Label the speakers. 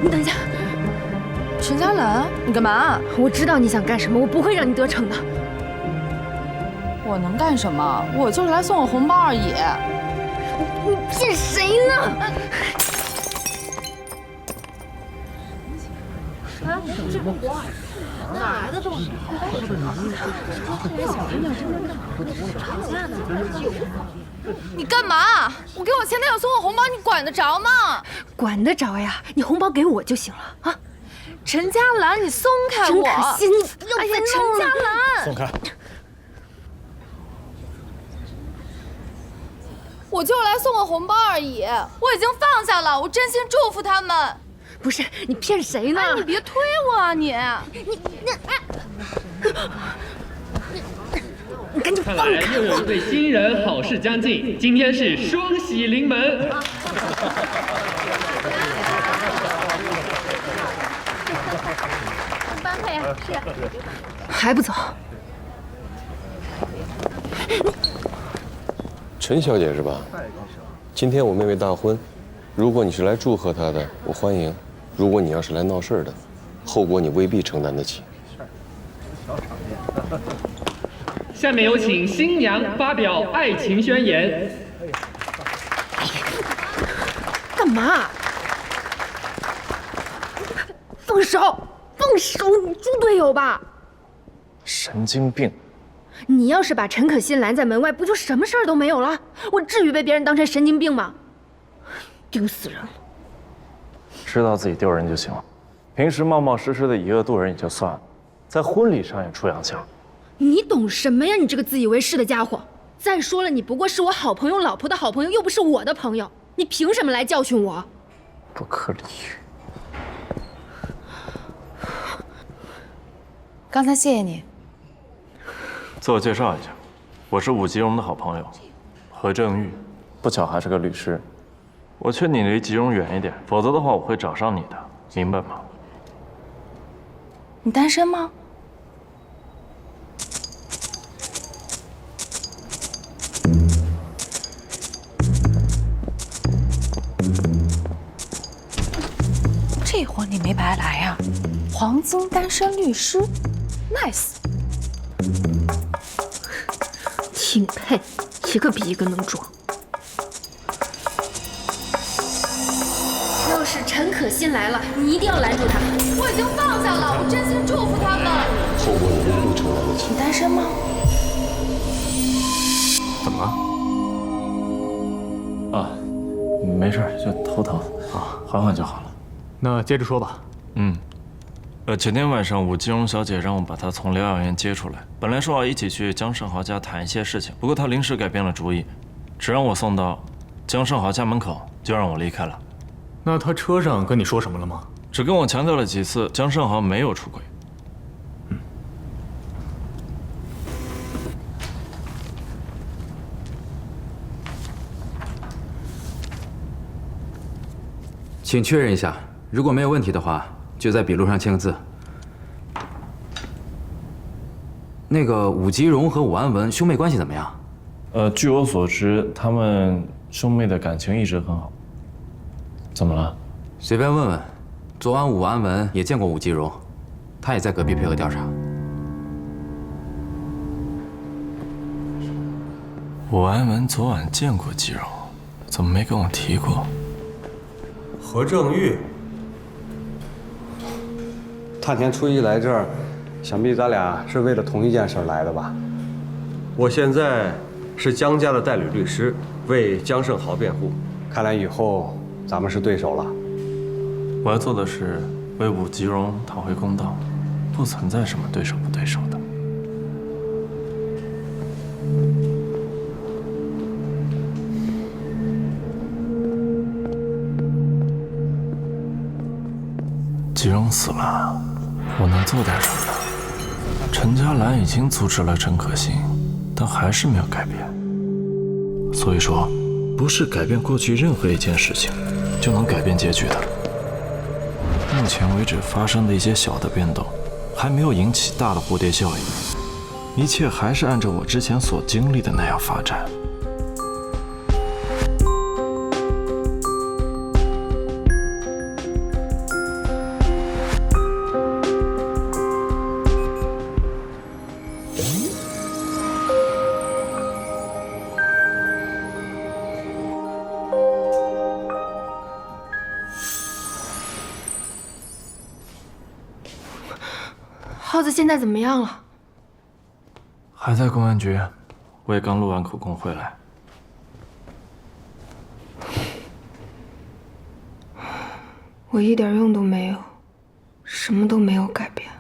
Speaker 1: 等一下，
Speaker 2: 陈嘉兰，你干嘛？
Speaker 1: 我知道你想干什么，我不会让你得逞的。
Speaker 2: 我能干什么？我就是来送个红包而已。
Speaker 1: 你骗谁呢？哪来的东西？
Speaker 2: 你干嘛？我给我前男友送个红包，你管得着吗？
Speaker 1: 管得着呀，你红包给我就行了啊！
Speaker 2: 陈嘉兰，你松开
Speaker 1: 陈
Speaker 2: 我！
Speaker 1: 可辛，你不要再
Speaker 2: 哎呀，陈嘉兰，
Speaker 3: 松开！
Speaker 2: 我就来送个红包而已，我已经放下了，我真心祝福他们。
Speaker 1: 不是你骗谁呢？
Speaker 2: 哎，你别推我啊你！
Speaker 1: 你赶紧
Speaker 4: 看来
Speaker 1: 放开
Speaker 4: 又有一对新人好事将近，今天是双喜临门。
Speaker 1: 般配啊，是。还不走？
Speaker 5: 陈小姐是吧？今天我妹妹大婚，如果你是来祝贺她的，我欢迎；如果你要是来闹事儿的，后果你未必承担得起。
Speaker 4: 下面有请新娘发表爱情宣言。
Speaker 1: 干嘛？放手！放手！你猪队友吧？
Speaker 3: 神经病！
Speaker 1: 你要是把陈可辛拦在门外，不就什么事儿都没有了？我至于被别人当成神经病吗？丢死人了！
Speaker 3: 知道自己丢人就行了，平时冒冒失失的以恶度人也就算了，在婚礼上也出洋相。
Speaker 1: 你懂什么呀？你这个自以为是的家伙！再说了，你不过是我好朋友老婆的好朋友，又不是我的朋友，你凭什么来教训我？
Speaker 3: 不可理喻！
Speaker 2: 刚才谢谢你。
Speaker 3: 自我介绍一下，我是武吉荣的好朋友何正玉，不巧还是个律师。我劝你离吉荣远一点，否则的话我会找上你的，明白吗？
Speaker 2: 你单身吗？这活你没白来呀，黄金单身律师 ，nice。
Speaker 1: 挺配，一个比一个能装。要是陈可辛来了，你一定要拦住他。
Speaker 2: 我已经放下了，我真心祝福他们。
Speaker 5: 后果你未必承担得起。
Speaker 2: 你单身吗？
Speaker 3: 怎么了？啊，没事，就头疼啊，缓缓就好了。
Speaker 6: 那接着说吧。
Speaker 3: 前天晚上武吉荣小姐让我把她从疗养院接出来，本来说要一起去江胜豪家谈一些事情，不过她临时改变了主意，只让我送到江胜豪家门口，就让我离开了。
Speaker 6: 那他车上跟你说什么了吗？
Speaker 3: 只跟我强调了几次江胜豪没有出轨。
Speaker 7: 请确认一下，如果没有问题的话，就在笔录上签个字。那个武吉荣和武安文兄妹关系怎么样？
Speaker 3: 据我所知，他们兄妹的感情一直很好。怎么了？
Speaker 7: 随便问问。昨晚武安文也见过武吉荣，他也在隔壁配合调查。
Speaker 3: 武安文昨晚见过吉荣，怎么没跟我提过？
Speaker 8: 何正玉，大年初一来这儿，想必咱俩是为了同一件事来的吧？我现在是江家的代理律师，为江胜豪辩护。看来以后咱们是对手了。
Speaker 3: 我要做的是为武吉荣讨回公道，不存在什么对手不对手的。吉荣死了，我能做点什么呢？陈嘉兰已经阻止了陈可辛，但还是没有改变。所以说，不是改变过去任何一件事情就能改变结局的。目前为止发生的一些小的变动，还没有引起大的蝴蝶效应，一切还是按照我之前所经历的那样发展。
Speaker 1: 耗子现在怎么样了？
Speaker 3: 还在公安局，我也刚录完口供回来。
Speaker 1: 我一点用都没有，什么都没有改变。